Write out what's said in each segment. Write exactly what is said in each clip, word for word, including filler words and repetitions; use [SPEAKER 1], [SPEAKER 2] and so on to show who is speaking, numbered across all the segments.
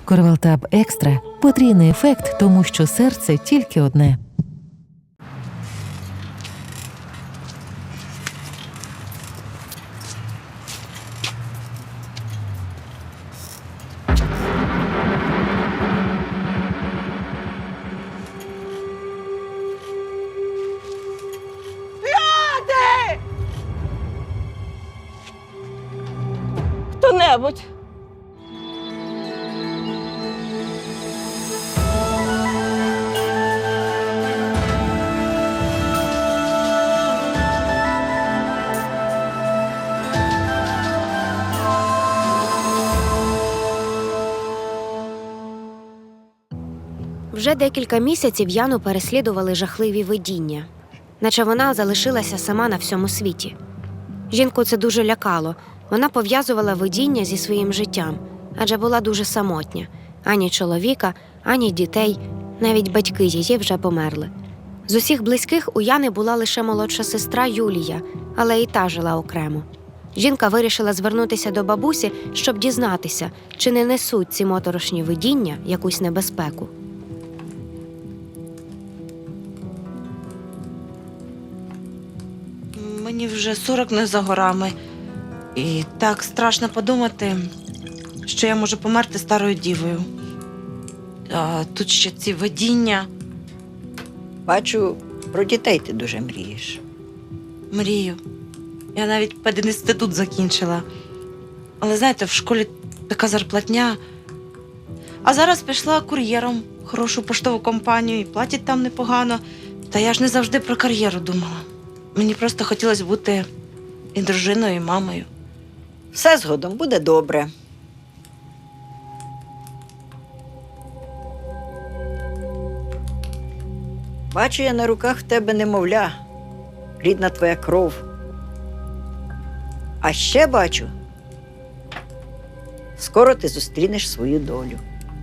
[SPEAKER 1] Корвалтаб Екстра – потрійний ефект, тому що серце тільки одне.
[SPEAKER 2] Хто-небудь.
[SPEAKER 3] Вже декілька місяців Яну переслідували жахливі видіння, наче вона залишилася сама на всьому світі. Жінку це дуже лякало. Вона пов'язувала видіння зі своїм життям, адже була дуже самотня. Ані чоловіка, ані дітей, навіть батьки її вже померли. З усіх близьких у Яни була лише молодша сестра Юлія, але і та жила окремо. Жінка вирішила звернутися до бабусі, щоб дізнатися, чи не несуть ці моторошні видіння якусь небезпеку.
[SPEAKER 2] Мені вже сорок не за горами. І так страшно подумати, що я можу померти старою дівою. А тут ще ці видіння.
[SPEAKER 4] Бачу, про дітей ти дуже мрієш.
[SPEAKER 2] Мрію. Я навіть пединститут закінчила. Але, знаєте, в школі така зарплатня. А зараз пішла кур'єром в хорошу поштову компанію і платять там непогано. Та я ж не завжди про кар'єру думала. Мені просто хотілося бути і дружиною, і мамою.
[SPEAKER 4] Все згодом буде добре. Бачу я на руках в тебе немовля, рідна твоя кров. А ще бачу, скоро ти зустрінеш свою долю.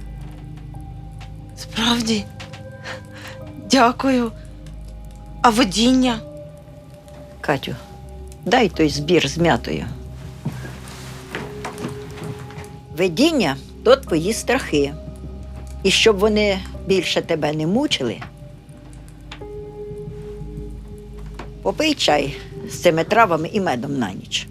[SPEAKER 2] Справді? Дякую. А видіння?
[SPEAKER 4] Катю, дай той збір з м'ятою. Видіння – то твої страхи. І щоб вони більше тебе не мучили, попий чай з цими травами і медом на ніч.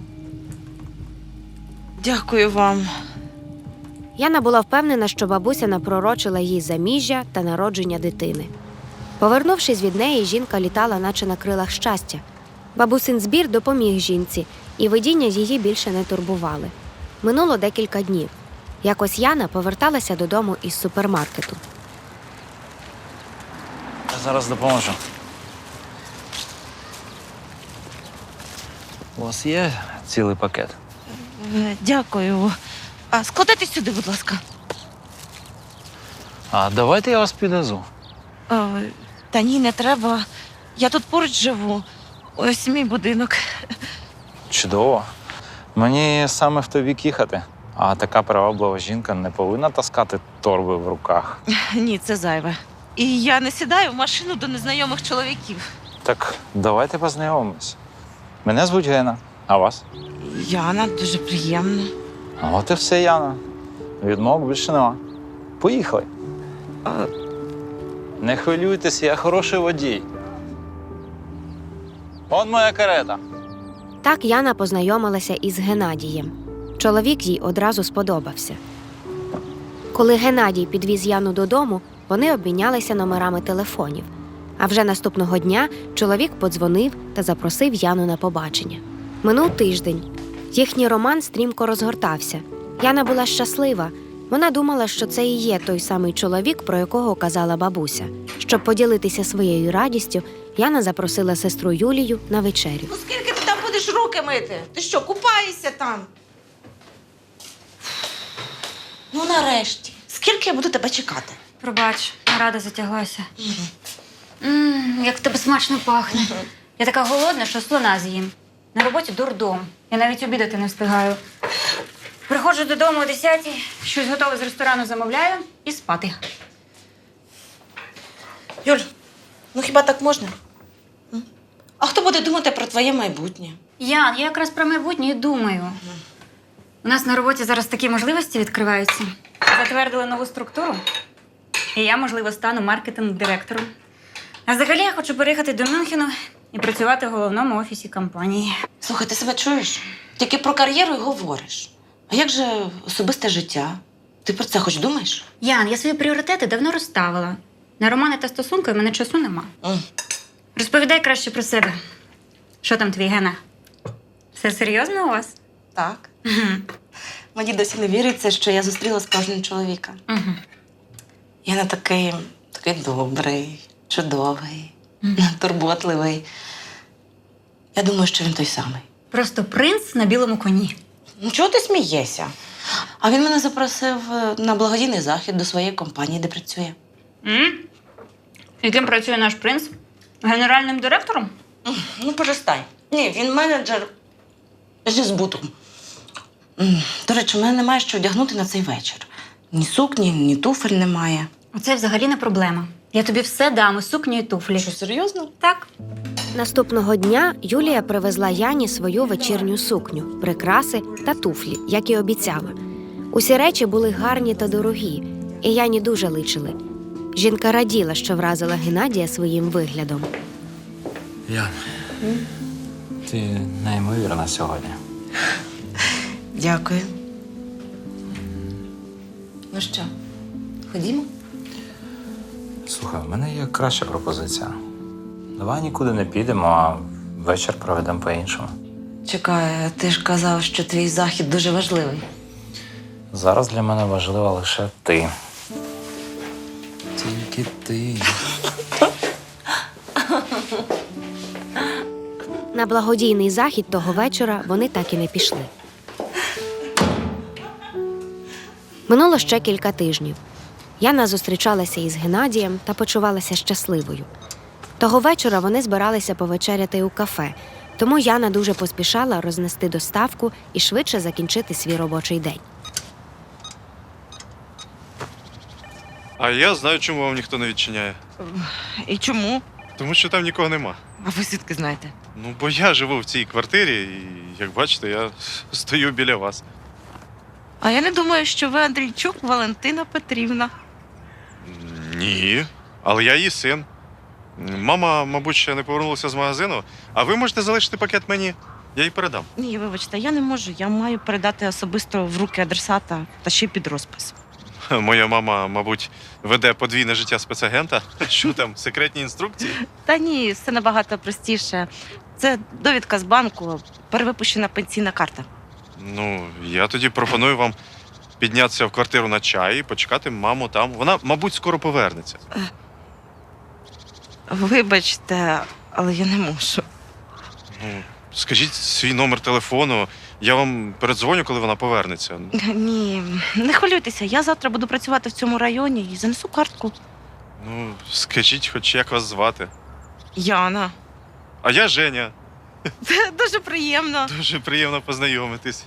[SPEAKER 2] Дякую вам.
[SPEAKER 3] Яна була впевнена, що бабуся напророчила їй заміжжя та народження дитини. Повернувшись від неї, жінка літала наче на крилах щастя. Бабусин збір допоміг жінці, і видіння її більше не турбували. Минуло декілька днів. Якось Яна поверталася додому із супермаркету.
[SPEAKER 5] Я зараз допоможу. У вас є цілий пакет?
[SPEAKER 2] Е, Дякую. А складайте сюди, будь ласка.
[SPEAKER 5] А давайте я вас підвезу.
[SPEAKER 2] Е, Та ні, не треба. Я тут поруч живу. Ось мій будинок.
[SPEAKER 5] Чудово. Мені саме в той бік їхати. А така приваблива жінка не повинна таскати торби в руках.
[SPEAKER 2] Ні, це зайве. І я не сідаю в машину до незнайомих чоловіків.
[SPEAKER 5] Так давайте познайомимось. Мене звуть Гена. А вас?
[SPEAKER 2] Яна, дуже приємно.
[SPEAKER 5] А от і все, Яна. Відмов більше нема. Поїхали.
[SPEAKER 2] А,
[SPEAKER 5] Не хвилюйтесь, я хороший водій. Он моя карета.
[SPEAKER 3] Так Яна познайомилася із Геннадієм. Чоловік їй одразу сподобався. Коли Геннадій підвіз Яну додому, вони обмінялися номерами телефонів. А вже наступного дня чоловік подзвонив та запросив Яну на побачення. Минув тиждень. Їхній роман стрімко розгортався. Яна була щаслива. Вона думала, що це і є той самий чоловік, про якого казала бабуся. Щоб поділитися своєю радістю, Яна запросила сестру Юлію на вечерю.
[SPEAKER 2] ну скільки ти там будеш руки мити? Ти що, купаєшся там? Ну, нарешті. Скільки я буду тебе чекати?
[SPEAKER 6] Пробач, нарада затяглася. Ммм, як в тебе смачно пахне. Я така голодна, що слона з'їм. На роботі дурдом. Я навіть обідати не встигаю. Приходжу додому о десятій, щось готове з ресторану замовляю і спати.
[SPEAKER 2] Юль, ну хіба так можна? М? А хто буде думати про твоє майбутнє?
[SPEAKER 6] Ян, я якраз про майбутнє і думаю. У нас на роботі зараз такі можливості відкриваються. затвердили нову структуру, і я, можливо, стану маркетинг-директором. А взагалі я хочу переїхати до Мюнхену і працювати в головному офісі компанії.
[SPEAKER 2] Слухай, ти себе чуєш? Тільки про кар'єру й говориш. А як же особисте життя? Ти про це хоч думаєш?
[SPEAKER 6] Ян, я свої пріоритети давно розставила. На романи та стосунки в мене часу нема.
[SPEAKER 2] М.
[SPEAKER 6] Розповідай краще про себе. Що там твій Гена? Все серйозно у вас?
[SPEAKER 2] Так. Мені досі не віриться, що я зустріла справжнього чоловіка.
[SPEAKER 6] Угу.
[SPEAKER 2] Я не такий, такий добрий, чудовий, турботливий. Я думаю, що він той самий.
[SPEAKER 6] Просто принц на білому коні.
[SPEAKER 2] Ну, чого ти смієшся? А він мене запросив е, на благодійний захід до своєї компанії, де працює.
[SPEAKER 6] М? І ким працює наш принц? Генеральним директором?
[SPEAKER 2] Ну, перестань. Ні, він менеджер зі збутом. М, До речі, у мене немає що одягнути на цей вечір. Ні сукні, ні туфель немає.
[SPEAKER 6] Оце взагалі не проблема. Я тобі все дам, і сукню, і туфлі.
[SPEAKER 2] Що, серйозно?
[SPEAKER 6] Так.
[SPEAKER 3] Наступного дня Юлія привезла Яні свою вечірню сукню, прикраси та туфлі, як і обіцяла. Усі речі були гарні та дорогі, і Яні дуже личили. Жінка раділа, що вразила Геннадія своїм виглядом.
[SPEAKER 5] Ян, ти неймовірна сьогодні.
[SPEAKER 2] Дякую. Ну що, ходімо?
[SPEAKER 5] Слухай, в мене є краща пропозиція. Давай нікуди не підемо, а вечір проведемо по-іншому.
[SPEAKER 2] Чекай, ти ж казав, що твій захід дуже важливий.
[SPEAKER 5] Зараз для мене важлива лише ти. Тільки ти.
[SPEAKER 3] На благодійний захід того вечора вони так і не пішли. Минуло ще кілька тижнів. Яна зустрічалася із Геннадієм та почувалася щасливою. Того вечора вони збиралися повечеряти у кафе, тому Яна дуже поспішала рознести доставку і швидше закінчити свій робочий день.
[SPEAKER 7] А я знаю, чому вам ніхто не відчиняє.
[SPEAKER 2] І чому?
[SPEAKER 7] Тому що там нікого нема.
[SPEAKER 2] А ви звідки знаєте?
[SPEAKER 7] Ну, бо я живу в цій квартирі, і, як бачите, я стою біля вас.
[SPEAKER 2] А я не думаю, що ви Андрійчук Валентина Петрівна.
[SPEAKER 7] Ні, але я її син. Мама, мабуть, ще не повернулася з магазину, а ви можете залишити пакет мені, я їй передам.
[SPEAKER 2] Ні, вибачте, я не можу. Я маю передати особисто в руки адресата та ще й під розпис.
[SPEAKER 7] Моя мама, мабуть, веде подвійне життя спецагента. Що там, секретні інструкції?
[SPEAKER 2] Та ні, все набагато простіше. Це довідка з банку, перевипущена пенсійна карта.
[SPEAKER 7] Ну, я тоді пропоную вам піднятися в квартиру на чай і почекати маму там. Вона, мабуть, скоро повернеться.
[SPEAKER 2] Вибачте, але я не можу.
[SPEAKER 7] Ну, скажіть свій номер телефону, я вам передзвоню, коли вона повернеться.
[SPEAKER 2] Ні, не хвилюйтеся, я завтра буду працювати в цьому районі і занесу картку.
[SPEAKER 7] Ну, скажіть, хоч як вас звати.
[SPEAKER 2] Яна.
[SPEAKER 7] А я Женя.
[SPEAKER 2] Це дуже приємно.
[SPEAKER 7] Дуже приємно познайомитись.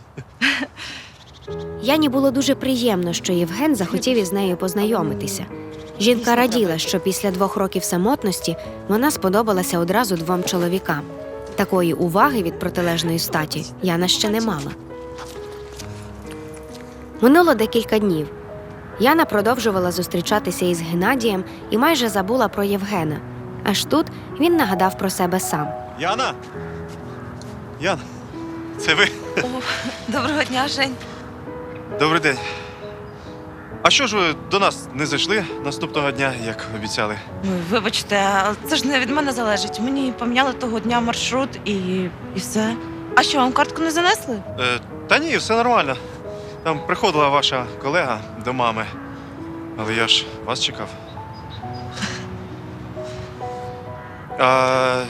[SPEAKER 3] Яні було дуже приємно, що Євген захотів із нею познайомитися. Жінка раділа, що після двох років самотності вона сподобалася одразу двом чоловікам. Такої уваги від протилежної статі Яна ще не мала. Минуло декілька днів. Яна продовжувала зустрічатися із Геннадієм і майже забула про Євгена. Аж тут він нагадав про себе сам.
[SPEAKER 7] Яна! Яна, це ви?
[SPEAKER 2] О, доброго дня, Жень.
[SPEAKER 7] Добрий день. А що ж ви до нас не зайшли наступного дня, як обіцяли?
[SPEAKER 2] Ой, вибачте, але це ж не від мене залежить. Мені поміняли того дня маршрут і, і все. А що, вам картку не занесли?
[SPEAKER 7] Е, та ні, все нормально. Там приходила ваша колега до мами. Але я ж вас чекав. А,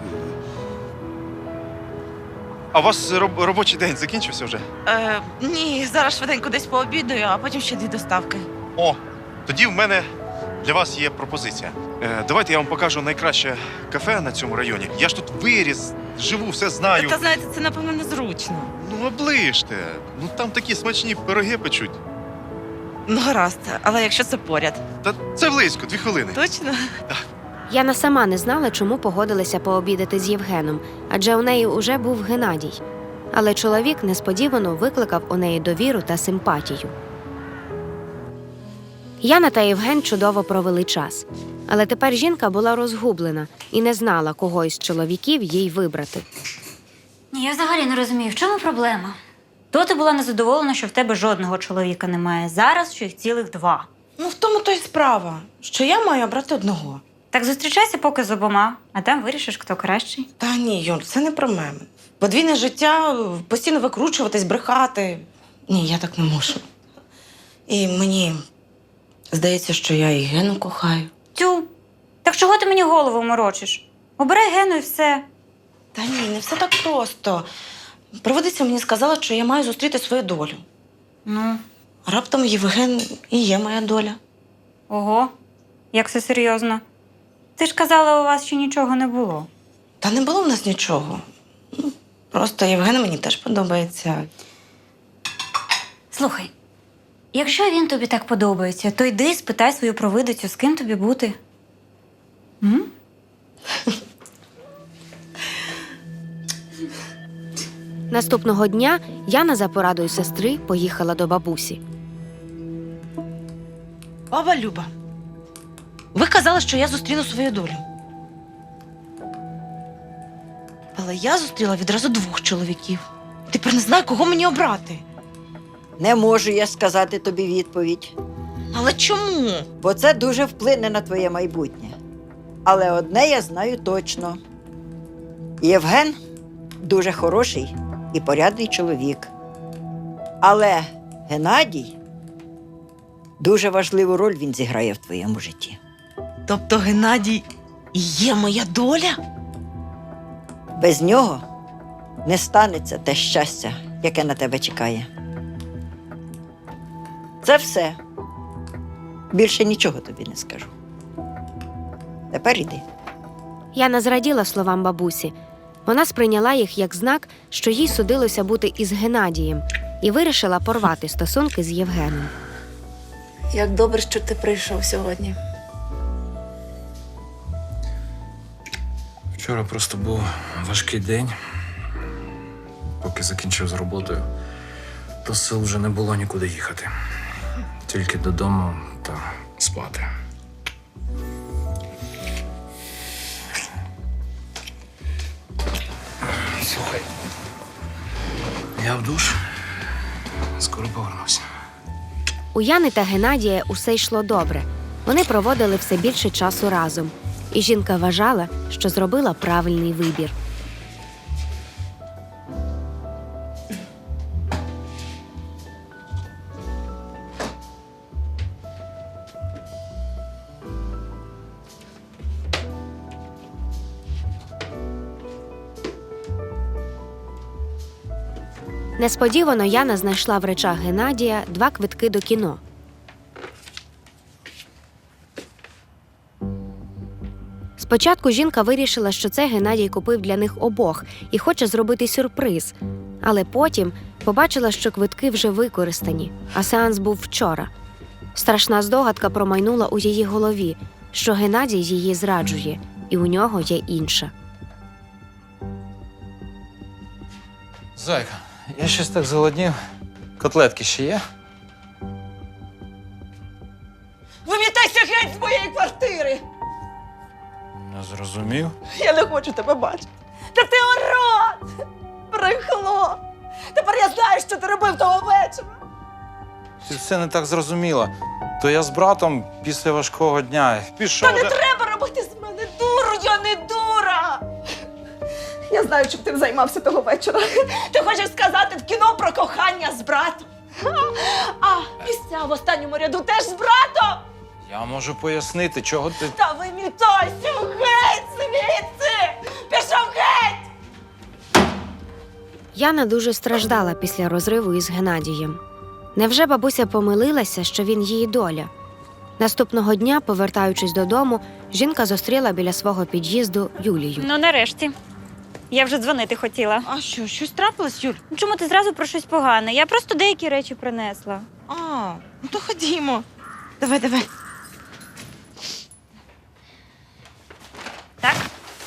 [SPEAKER 7] а у вас роб- робочий день закінчився вже?
[SPEAKER 2] Е, ні, зараз швиденько десь пообідаю, а потім ще дві доставки.
[SPEAKER 7] О, тоді в мене для вас є пропозиція. Е, давайте я вам покажу найкраще кафе на цьому районі. Я ж тут виріс, живу, все знаю.
[SPEAKER 2] Та знаєте, це напевно незручно.
[SPEAKER 7] Ну, оближте. Ну там такі смачні пироги печуть.
[SPEAKER 2] Ну, гаразд, але якщо це поряд.
[SPEAKER 7] Та це близько, дві хвилини.
[SPEAKER 2] Точно?
[SPEAKER 3] Яна сама не знала, чому погодилися пообідати з Євгеном, адже у неї уже був Геннадій. Але чоловік несподівано викликав у неї довіру та симпатію. Яна та Євген чудово провели час. Але тепер жінка була розгублена і не знала, кого із чоловіків їй вибрати.
[SPEAKER 6] Ні, я взагалі не розумію, в чому проблема? То ти була незадоволена, що в тебе жодного чоловіка немає. Зараз, що їх цілих два.
[SPEAKER 2] Ну, в тому то й справа, що я маю обрати одного.
[SPEAKER 6] Так зустрічайся поки з обома, а там вирішиш, хто кращий.
[SPEAKER 2] Та ні, Юль, це не про мене. Подвійне життя, постійно викручуватись, брехати. Ні, я так не можу. І мені здається, що я і Гену кохаю.
[SPEAKER 6] Тю, так чого ти мені голову морочиш? Обирай Гену і все.
[SPEAKER 2] Та ні, не все так просто. Провидиця мені сказала, що я маю зустріти свою долю.
[SPEAKER 6] Ну,
[SPEAKER 2] А раптом Євген і є моя доля.
[SPEAKER 6] ого, як все серйозно. Ти ж казала, у вас ще нічого не було.
[SPEAKER 2] Та не було в нас нічого. Ну, просто Євген мені теж подобається.
[SPEAKER 6] Слухай, якщо він тобі так подобається, то йди і спитай свою провидицю, з ким тобі бути. М?
[SPEAKER 3] Наступного дня Яна за порадою сестри поїхала до бабусі.
[SPEAKER 2] Баба Люба, ви казали, що я зустріну свою долю. Але я зустріла відразу двох чоловіків. Тепер не знаю, кого мені обрати.
[SPEAKER 4] Не можу я сказати тобі відповідь,
[SPEAKER 2] Але чому?
[SPEAKER 4] бо це дуже вплине на твоє майбутнє. Але одне я знаю точно. Євген дуже хороший і порядний чоловік. Але Геннадій дуже важливу роль він зіграє в твоєму житті.
[SPEAKER 2] Тобто Геннадій і є моя доля?
[SPEAKER 4] Без нього не станеться те щастя, яке на тебе чекає. Це все. Більше нічого тобі не скажу. Тепер іди.
[SPEAKER 3] Яна зраділа словам бабусі. Вона сприйняла їх як знак, що їй судилося бути із Геннадієм, і вирішила порвати стосунки з Євгеном.
[SPEAKER 8] Як добре, що ти прийшов сьогодні.
[SPEAKER 5] Вчора просто був важкий день. Поки закінчив з роботою, то сил вже не було нікуди їхати. Тільки додому та спати. Слухай, я в душ. Скоро повернуся.
[SPEAKER 3] У Яни та Геннадія усе йшло добре. Вони проводили все більше часу разом. І жінка вважала, що зробила правильний вибір. Несподівано Яна знайшла в речах Геннадія два квитки до кіно. Спочатку жінка вирішила, що це Геннадій купив для них обох і хоче зробити сюрприз. Але потім побачила, що квитки вже використані, а сеанс був вчора. Страшна здогадка промайнула у її голові, що Геннадій її зраджує, і у нього є інша.
[SPEAKER 5] Зайка, я щось так зголоднів. Котлетки ще є?
[SPEAKER 9] Вимітайся геть з моєї квартири!
[SPEAKER 5] Не зрозумів.
[SPEAKER 9] Я не хочу тебе бачити. Та ти урод! Брехло! Тепер я знаю, що ти робив того вечора.
[SPEAKER 5] Ти все не так зрозуміла. То я з братом після важкого дня пішов.
[SPEAKER 9] Та не
[SPEAKER 5] де-
[SPEAKER 9] треба робити з мене дуру, я не дура! Я знаю, чим ти займався того вечора. Ти хочеш сказати в кіно про кохання з братом. А місця в останньому ряду теж з братом!
[SPEAKER 5] Я можу пояснити, чого ти.
[SPEAKER 9] Та вимітайся геть звідси! Пішов геть!
[SPEAKER 3] Яна дуже страждала після розриву із Геннадієм. Невже бабуся помилилася, що він її доля? Наступного дня, повертаючись додому, жінка зустріла біля свого під'їзду Юлію.
[SPEAKER 6] Ну, нарешті. Я вже дзвонити хотіла.
[SPEAKER 2] А що, щось трапилось, Юль?
[SPEAKER 6] Ну, чому ти зразу про щось погане? Я просто деякі речі принесла.
[SPEAKER 2] А, ну то ходімо. Давай, давай.
[SPEAKER 6] Так?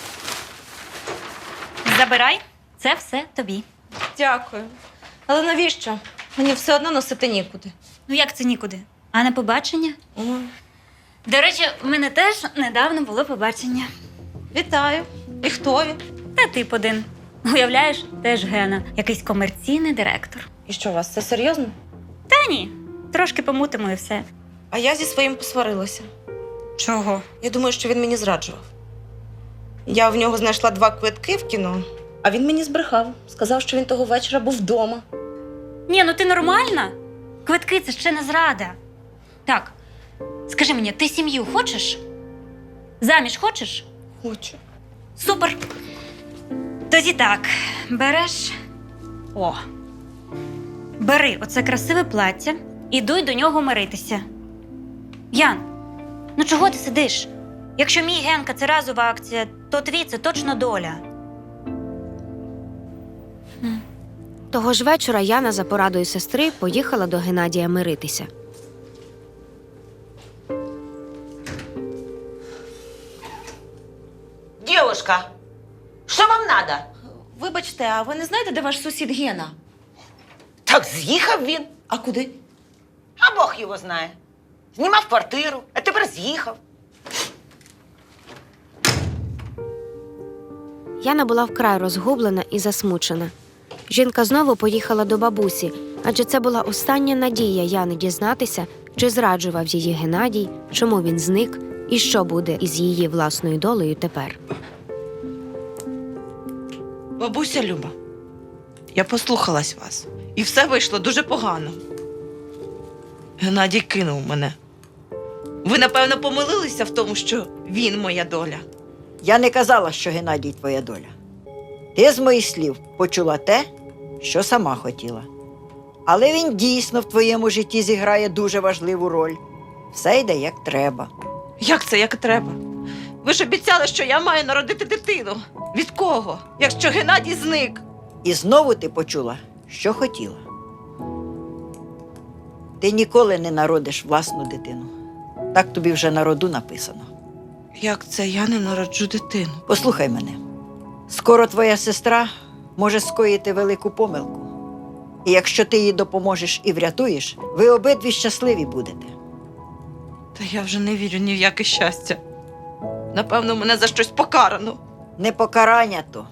[SPEAKER 6] Забирай. Це все тобі.
[SPEAKER 2] Дякую. Але навіщо? Мені все одно носити нікуди.
[SPEAKER 6] Ну як це нікуди? А на побачення?
[SPEAKER 2] О,
[SPEAKER 6] До речі, в мене теж недавно було побачення.
[SPEAKER 2] вітаю. І хто він?
[SPEAKER 6] Та тип один. Уявляєш, теж Гена, якийсь комерційний директор.
[SPEAKER 2] І що, у вас це серйозно?
[SPEAKER 6] Та ні, трошки помутимо і все.
[SPEAKER 2] А я зі своїм посварилася.
[SPEAKER 6] Чого?
[SPEAKER 2] Я думаю, що він мені зраджував. Я в нього знайшла два квитки в кіно, а він мені збрехав. Сказав, що він того вечора був вдома.
[SPEAKER 6] Ні, ну ти нормальна? Квитки – це ще не зрада. Так, скажи мені, ти сім'ю хочеш? Заміж хочеш?
[SPEAKER 2] Хочу.
[SPEAKER 6] Супер. Тоді так, береш. О. Бери оце красиве плаття і дуй до нього миритися. Ян, ну чого ти сидиш? Якщо мій Генка це разова акція, то твій це точно доля.
[SPEAKER 3] Того ж вечора Яна за порадою сестри поїхала до Геннадія миритися.
[SPEAKER 10] Девушка, що вам надо?
[SPEAKER 2] Вибачте, а ви не знаєте, де ваш сусід Гена?
[SPEAKER 10] Так з'їхав він.
[SPEAKER 2] А куди?
[SPEAKER 10] А Бог його знає. Знімав квартиру, а тепер з'їхав.
[SPEAKER 3] Яна була вкрай розгублена і засмучена. Жінка знову поїхала до бабусі, адже це була остання надія Яни дізнатися, чи зраджував її Геннадій, чому він зник і що буде із її власною долею тепер.
[SPEAKER 2] Бабуся Люба, я послухалась вас. І все вийшло дуже погано. Геннадій кинув мене. Ви, напевно, помилилися в тому, що він моя доля.
[SPEAKER 4] Я не казала, що Геннадій твоя доля. Ти з моїх слів почула те, що сама хотіла. Але він дійсно в твоєму житті зіграє дуже важливу роль. Все йде як треба.
[SPEAKER 2] Як це, як треба? Ви ж обіцяли, що я маю народити дитину. Від кого? Якщо Геннадій зник.
[SPEAKER 4] І знову ти почула, що хотіла. Ти ніколи не народиш власну дитину. Так тобі вже на роду написано.
[SPEAKER 2] Як це я не народжу дитину?
[SPEAKER 4] Послухай мене. Скоро твоя сестра може скоїти велику помилку. І якщо ти їй допоможеш і врятуєш, ви обидві щасливі будете.
[SPEAKER 2] Та я вже не вірю ні в яке щастя. Напевно, мене за щось покарано.
[SPEAKER 4] Не покарання то.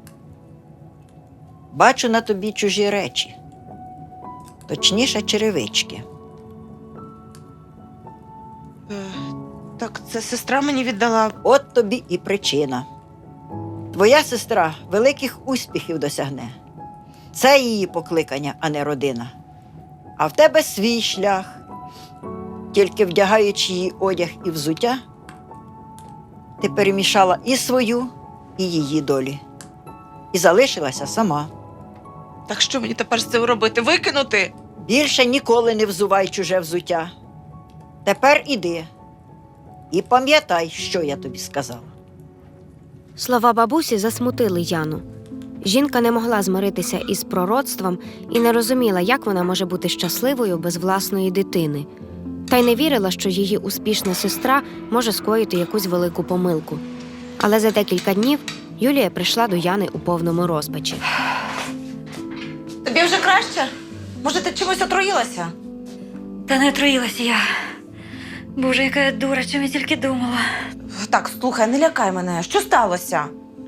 [SPEAKER 4] Бачу на тобі чужі речі. Точніше, черевички.
[SPEAKER 2] Е, так це сестра мені віддала.
[SPEAKER 4] От тобі і причина. Твоя сестра великих успіхів досягне. Це її покликання, а не родина. А в тебе свій шлях. Тільки вдягаючи її одяг і взуття, ти перемішала і свою, і її долі. І залишилася сама.
[SPEAKER 2] Так що мені тепер з цим робити? Викинути?
[SPEAKER 4] Більше ніколи не взувай чуже взуття. Тепер іди. І пам'ятай, що я тобі сказала.
[SPEAKER 3] Слова бабусі засмутили Яну. Жінка не могла змиритися із пророцтвом і не розуміла, як вона може бути щасливою без власної дитини. Та й не вірила, що її успішна сестра може скоїти якусь велику помилку. Але за декілька днів Юлія прийшла до Яни у повному розпачі.
[SPEAKER 2] Тобі вже краще? Може, ти чимось отруїлася?
[SPEAKER 6] Та не отруїлася я. Боже, яка я дура, чим я тільки думала.
[SPEAKER 2] Так, слухай, не лякай мене. Що сталося?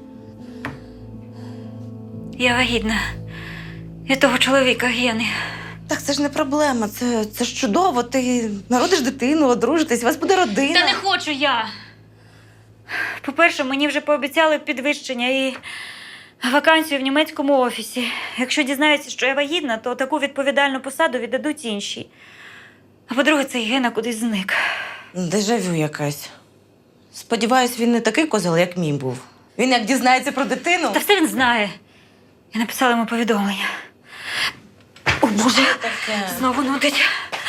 [SPEAKER 6] Я вагітна. Від того чоловіка Гени.
[SPEAKER 2] Так це ж не проблема, це, це ж чудово. Ти народиш дитину, одружитесь, у вас буде родина.
[SPEAKER 6] Та не хочу я. По-перше, мені вже пообіцяли підвищення і вакансію в німецькому офісі. Якщо дізнаються, що я вагітна, то таку відповідальну посаду віддадуть інші. А по-друге, цей Гена кудись зник.
[SPEAKER 2] Дежавю якась. Сподіваюсь, він не такий козел, як мій був. Він як дізнається про дитину.
[SPEAKER 6] Та все він знає. Я написала йому повідомлення. О, Боже,
[SPEAKER 2] таке?
[SPEAKER 6] знову нудить.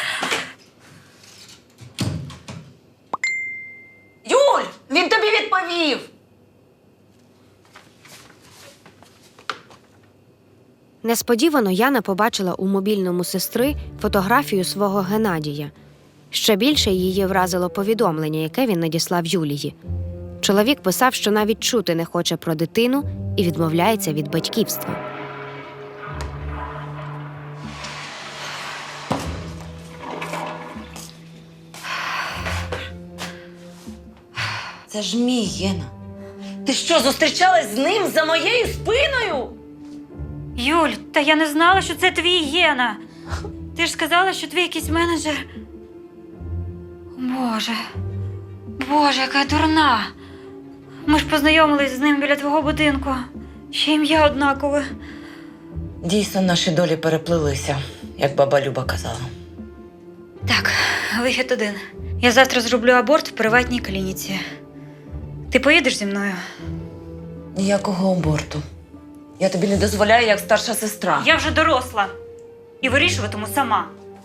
[SPEAKER 2] Юль, він тобі відповів.
[SPEAKER 3] Несподівано Яна побачила у мобільному сестри фотографію свого Геннадія. Ще більше її вразило повідомлення, яке він надіслав Юлії. Чоловік писав, що навіть чути не хоче про дитину і відмовляється від батьківства.
[SPEAKER 2] Це ж мій Гена. Ти що, зустрічалась з ним за моєю спиною?
[SPEAKER 6] Юль, та я не знала, що це твій Гена. Ти ж сказала, що твій якийсь менеджер. Боже, Боже, яка я дурна. Ми ж познайомились з ним біля твого будинку. Ще ім'я однакове.
[SPEAKER 2] Дійсно, наші долі переплилися, як баба Люба казала.
[SPEAKER 6] Так, вихід один. Я завтра зроблю аборт в приватній клініці. Ти поїдеш зі мною?
[SPEAKER 2] Ніякого аборту. Я тобі не дозволяю, як старша сестра.
[SPEAKER 6] Я вже доросла. І вирішуватиму сама.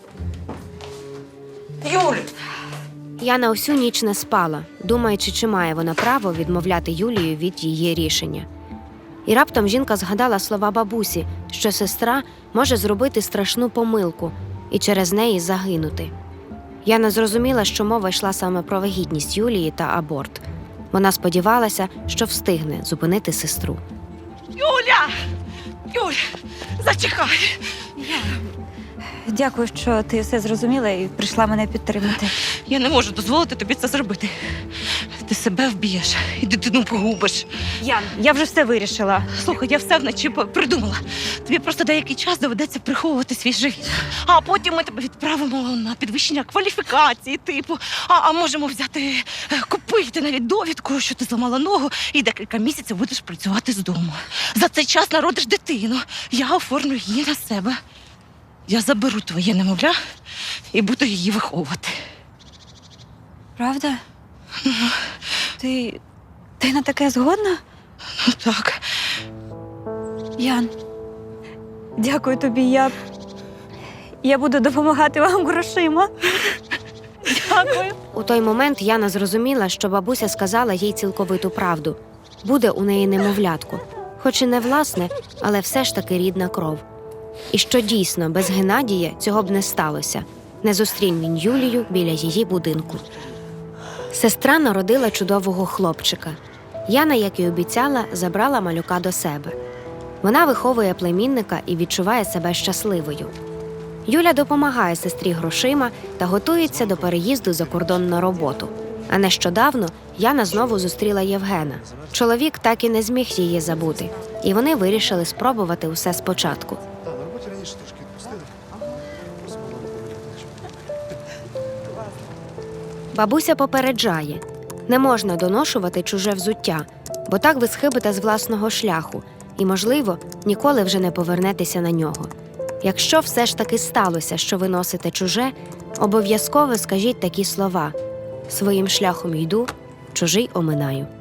[SPEAKER 2] Юль!
[SPEAKER 3] Яна усю ніч не спала, думаючи, чи має вона право відмовляти Юлію від її рішення. І раптом жінка згадала слова бабусі, що сестра може зробити страшну помилку і через неї загинути. Яна зрозуміла, що мова йшла саме про вагітність Юлії та аборт. Вона сподівалася, що встигне зупинити сестру.
[SPEAKER 9] Юля! Юля, зачекай!
[SPEAKER 6] Дякую, що ти все зрозуміла і прийшла мене підтримати.
[SPEAKER 9] Я не можу дозволити тобі це зробити. Ти себе вб'єш і дитину погубиш.
[SPEAKER 6] Ян, я вже все вирішила.
[SPEAKER 9] Слухай, я все вночі по- придумала. Тобі просто деякий час доведеться приховувати свій живіт. А потім ми тебе відправимо на підвищення кваліфікації, типу. А, а можемо взяти, е, купити навіть довідку, що ти зламала ногу, і декілька місяців будеш працювати з дому. За цей час народиш дитину. Я оформлю її на себе. Я заберу твоє немовля і буду її виховувати.
[SPEAKER 6] Правда? Ти. Ти на таке згодна?
[SPEAKER 9] Ну так.
[SPEAKER 6] Ян, дякую тобі. Я. Я буду допомагати вам грошима. Дякую.
[SPEAKER 3] У той момент Яна зрозуміла, що бабуся сказала їй цілковиту правду. Буде у неї немовлятко. Хоч і не власне, але все ж таки рідна кров. І що дійсно, без Геннадія цього б не сталося. Не зустрінь він Юлію біля її будинку. Сестра народила чудового хлопчика. Яна, як і обіцяла, забрала малюка до себе. Вона виховує племінника і відчуває себе щасливою. Юля допомагає сестрі грошима та готується до переїзду за кордон на роботу. А нещодавно Яна знову зустріла Євгена. Чоловік так і не зміг її забути, і вони вирішили спробувати усе спочатку. Бабуся попереджає – не можна доношувати чуже взуття, бо так ви схибите з власного шляху і, можливо, ніколи вже не повернетеся на нього. Якщо все ж таки сталося, що ви носите чуже, обов'язково скажіть такі слова: «Своїм шляхом йду, чужий оминаю».